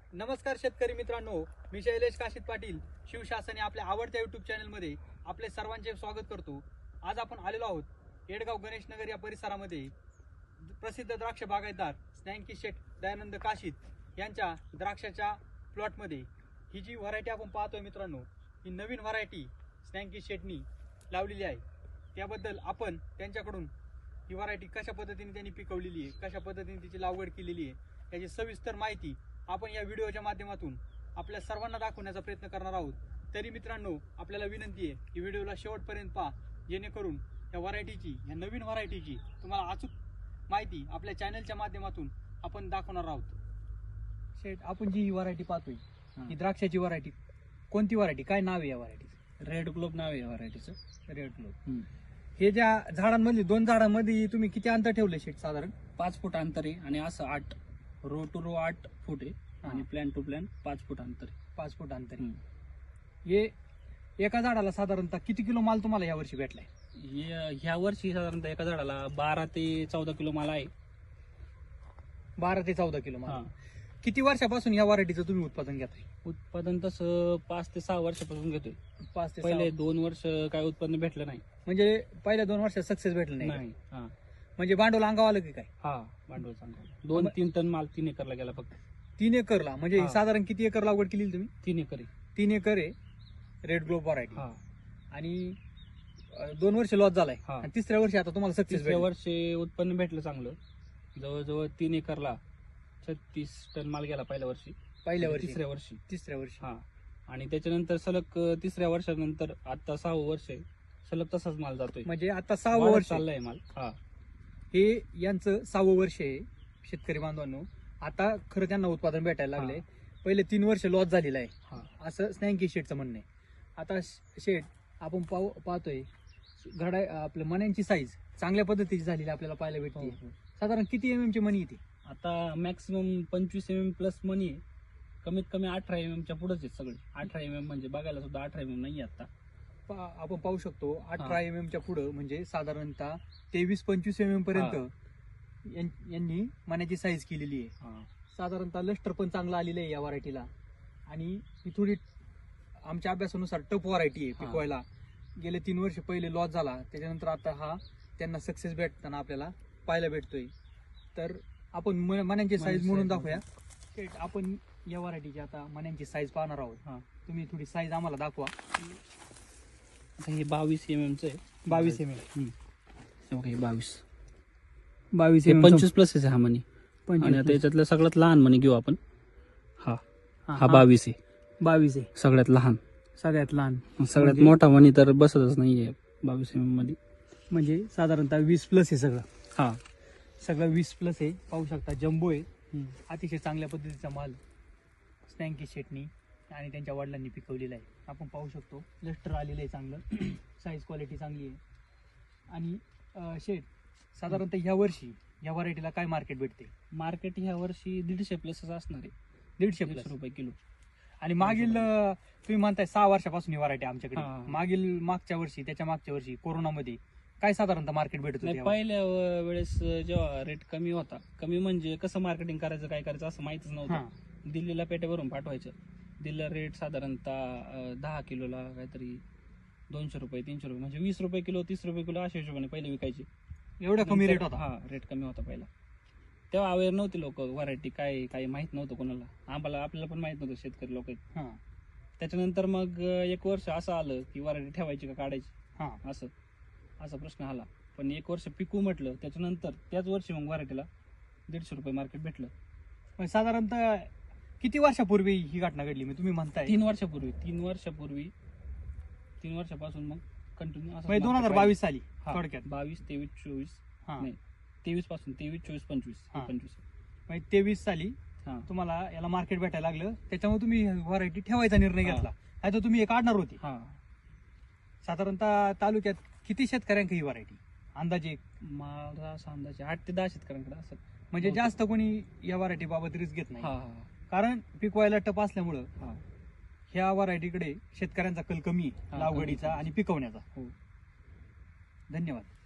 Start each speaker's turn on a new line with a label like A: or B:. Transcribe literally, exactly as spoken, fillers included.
A: नमस्कार शेतकरी मित्रांनो, मी शैलेश काशीत पाटील शिवशासन आपल्या आवडत्या युट्यूब चॅनलमध्ये आपले सर्वांचे स्वागत करतो। आज आपण आलेलो आहोत येडगाव गणेश नगर या परिसरामध्ये प्रसिद्ध द्राक्ष बागायतदार स्नॅकी शेठ दयानंद काशीत यांच्या द्राक्षाच्या प्लॉटमध्ये ही जी व्हरायटी आपण पाहतोय मित्रांनो, ही नवीन व्हरायटी स्नॅकी शेठनी लावलेली आहे। त्याबद्दल आपण त्यांच्याकडून ही व्हरायटी कशा पद्धतीने त्यांनी पिकवलेली आहे, कशा पद्धतीने तिची लागवड केलेली आहे याची सविस्तर माहिती आपण या व्हिडिओच्या माध्यमातून आपल्या सर्वांना दाखवण्याचा प्रयत्न करणार आहोत। तरी मित्रांनो, आपल्याला विनंती आहे की व्हिडिओला शेवटपर्यंत पहा, जेणेकरून या व्हरायटीची या नवीन व्हरायटीची तुम्हाला अचूक माहिती आपल्या चॅनलच्या माध्यमातून आपण दाखवणार आहोत। शेठ, आपण जी ही व्हरायटी पाहतोय ही द्राक्षाची व्हरायटी, कोणती व्हरायटी, काय नाव आहे या व्हरायटीचं?
B: रेड ग्लोब नाव आहे या व्हरायटीचं।
A: Red globe. हे ज्या झाडांमध्ये दोन झाडांमध्ये तुम्ही किती अंतर ठेवले शेठ? साधारण
B: पाच फूट अंतर आहे आणि असं आठ रो टू रो आठ फूट आहे आणि प्लॅन टू प्लॅन पाच फूट अंतर आहे।
A: पाच फूट अंतर आहे। हे एका झाडाला साधारणतः किती किलो माल तुम्हाला या वर्षी भेटलाय?
B: ह्या वर्षी साधारणतः एका झाडाला बारा ते चौदा किलो माल आहे।
A: बारा ते चौदा किलो माल। किती वर्षापासून या व्हरायटीचं तुम्ही उत्पादन घेताय?
B: उत्पादन तसं पाच ते सहा वर्षापासून घेतोय।
A: पाच ते
B: पहिले दोन वर्ष काय उत्पन्न भेटलं नाही,
A: म्हणजे पहिल्या दोन वर्षात सक्सेस भेटलं नाही?
B: नाही। हा,
A: म्हणजे भांडवल अंगावर आलं की काय?
B: हा, भांडवल चांगलं। दोन तीन टन माल तीन एकरला गेला फक्त।
A: तीन एकरला म्हणजे
B: हा।
A: साधारण किती एकर लागवड केली तुम्ही?
B: तीन एकर आहे।
A: तीन एकर आहे रेड ग्लोब व्हरायटी।
B: हा,
A: आणि अं, दोन वर्ष लॉस झालाय
B: हा।
A: आणि तिसऱ्या वर्षी आता तुम्हाला सक्सेस
B: तिसऱ्या वर्षी उत्पन्न भेटलं चांगलं, जवळजवळ तीन एकरला छत्तीस टन माल गेला पहिल्या वर्षी।
A: पहिल्या वर्षी
B: तिसऱ्या वर्षी
A: तिसऱ्या वर्षी
B: हा, आणि त्याच्यानंतर सलग अं, तिसऱ्या वर्षानंतर आता सहावं वर्ष आहे, सलग तसाच माल जातोय,
A: म्हणजे आता सहावं
B: वाढत
A: वर्ष
B: चाललाय माल। हा,
A: हे यांचं सहावं वर्ष आहे शेतकरी बांधवांनो। आता खरं त्यांना उत्पादन भेटायला लागले। पहिले तीन वर्ष लॉस झालेला आहे
B: हा,
A: असं स्नॅकी शेठचं म्हणणं आहे। आता शेठ, आपण पाहू पाहतोय घडा आपल्या मण्यांची साईज चांगल्या पद्धतीची झालेली आपल्याला पाहायला भेटते।
B: हो, हो.
A: साधारण किती एम एम ची मणी येते?
B: आता मॅक्सिमम पंचवीस एम एम प्लस मनी आहे, कमीत कमी अठरा एम एम च्या पुढेच आहेत सगळे। अठरा एम एम म्हणजे बघायला सुद्धा अठरा एम एम नाही आता।
A: पा- आपण पाहू शकतो अठरा
B: हा.
A: एम एम च्या पुढं म्हणजे साधारणतः तेवीस पंचवीस एम एम पर्यंत यां- यांनी मण्याची साईज केलेली आहे।
B: हा,
A: साधारणतः लस्टर पण चांगलं आलेलं आहे या व्हरायटीला। आणि ही थोडी आमच्या अभ्यासानुसार टफ व्हरायटी आहे
B: हा.
A: पिकवायला। गेले तीन वर्ष पहिले लॉस झाला, त्याच्यानंतर आता हा त्यांना सक्सेस भेटताना आपल्याला पाहायला भेटतोय। तर आपण म- मण्यांची साईज
B: मण्यांची
A: म्हणून
B: size
A: दाखवूया। शेठ, आपण या व्हरायटीची आता मण्यांची साईज पाहणार आहोत।
B: हा.
A: तुम्ही थोडी साईज आम्हाला दाखवा।
B: आता हे बावीस एम एम च आहे।
A: बावीस एम एम
B: हम्म. हे बावीस
A: बावीस
B: हे
A: एम
B: पंचवीस प्लस आहे हा मनी। आणि आता याच्यातलं सगळ्यात लहान मनी घेऊ आपण। हा, हा बावीस आहे,
A: बावीस आहे
B: सगळ्यात लहान।
A: सगळ्यात लहान।
B: सगळ्यात
A: म्हणजे-
B: मोठा मनी तर बसतच नाहीये बावीस एम एम मध्ये।
A: म्हणजे साधारणतः वीस प्लस आहे सगळं।
B: हा,
A: सगळं वीस प्लस आहे, पाहू शकता जम्बो आहे। अतिशय चांगल्या पद्धतीचा माल स्नॅकी शेटनी आणि त्यांच्या वडिलांनी पिकवलेला आहे। आपण पाहू शकतो लस्टर आलेलं आहे चांगलं, साईज क्वालिटी चांगली आहे। आणि अं, शेट, साधारणतः ह्या वर्षी या व्हरायटीला काय मार्केट भेटते?
B: मार्केट ह्या वर्षी दीडशे प्लसच असणार आहे,
A: दीडशे
B: दीडशे
A: प्लस
B: रुपये किलो।
A: आणि मागील अं, तुम्ही म्हणताय सहा वर्षापासून ही व्हरायटी आमच्याकडे।
B: हा.
A: मागील मागच्या वर्षी, त्याच्या मागच्या वर्षी कोरोनामध्ये काय साधारणतः मार्केट भेटत
B: नाही,
A: होते?
B: पहिल्या व- वेळेस जेव्हा रेट कमी होता, कमी म्हणजे कसं मार्केटिंग करायचं काय करायचं असं माहितीच
A: हा.
B: नव्हतं। दिल्लीला पेट्या भरून पाठवायचं। दिल्लीला रेट साधारणतः अं, दहा किलोला काहीतरी दोनशे रुपये तीनशे रुपये म्हणजे वीस रुपये किलो तीस रुपये किलो अशा हिशोबाने पहिले विकायचे।
A: एवढा कमी
B: नंतर-
A: रेट होता?
B: हा, रेट कमी होता पहिला। तेव्हा अवेअर नव्हते लोक, व्हरायटी काय काही माहित नव्हतं कोणाला, आम्हाला आपल्याला पण माहित नव्हतं, शेतकरी लोक आहेत।
A: हा
B: त्याच्यानंतर मग अं, एक वर्ष असं आलं की व्हरायटी ठेवायची का काढायची,
A: हा
B: असं असा प्रश्न आला। पण एक वर्ष पिकू म्हटलं, त्याच्यानंतर त्याच वर्षी मग व्हरायटीला दीडशे रुपये मार्केट भेटलं।
A: पण साधारणतः किती वर्षापूर्वी ही घटना घडली? मी तुम्ही म्हणताय
B: तीन वर्षापूर्वी तीन वर्षापूर्वी तीन वर्षापासून मग कंटिन्यू
A: म्हणजे दोन हजार बावीस साली
B: हा,
A: थोडक्यात?
B: बावीस तेवीस चोवीस
A: हा
B: नाही, तेवीस पासून तेवीस चोवीस पंचवीस
A: हा.
B: पंचवीस
A: म्हणजे तेवीस साली
B: हा,
A: तुम्हाला याला मार्केट भेटायला लागलं, त्याच्यामुळे तुम्ही व्हरायटी ठेवायचा निर्णय
B: हा.
A: घेतला, नाही तर तुम्ही हे काढणार होती।
B: हा,
A: साधारणतः तालुक्यात किती शेतकऱ्यांक ही व्हरायटी अंदाजे?
B: मला असा अंदाजे आठ ते दहा शेतकऱ्यांकडे असं।
A: म्हणजे जास्त कोणी या व्हरायटी बाबत रिस्क घेत नाही,
B: हा, हा,
A: कारण पिकवायला टप असल्यामुळं
B: हा.
A: ह्या व्हरायटीकडे शेतकऱ्यांचा कल कमी आहे
B: हा,
A: लागवडीचा
B: कमी.
A: आणि पिकवण्याचा।
B: हो.
A: धन्यवाद।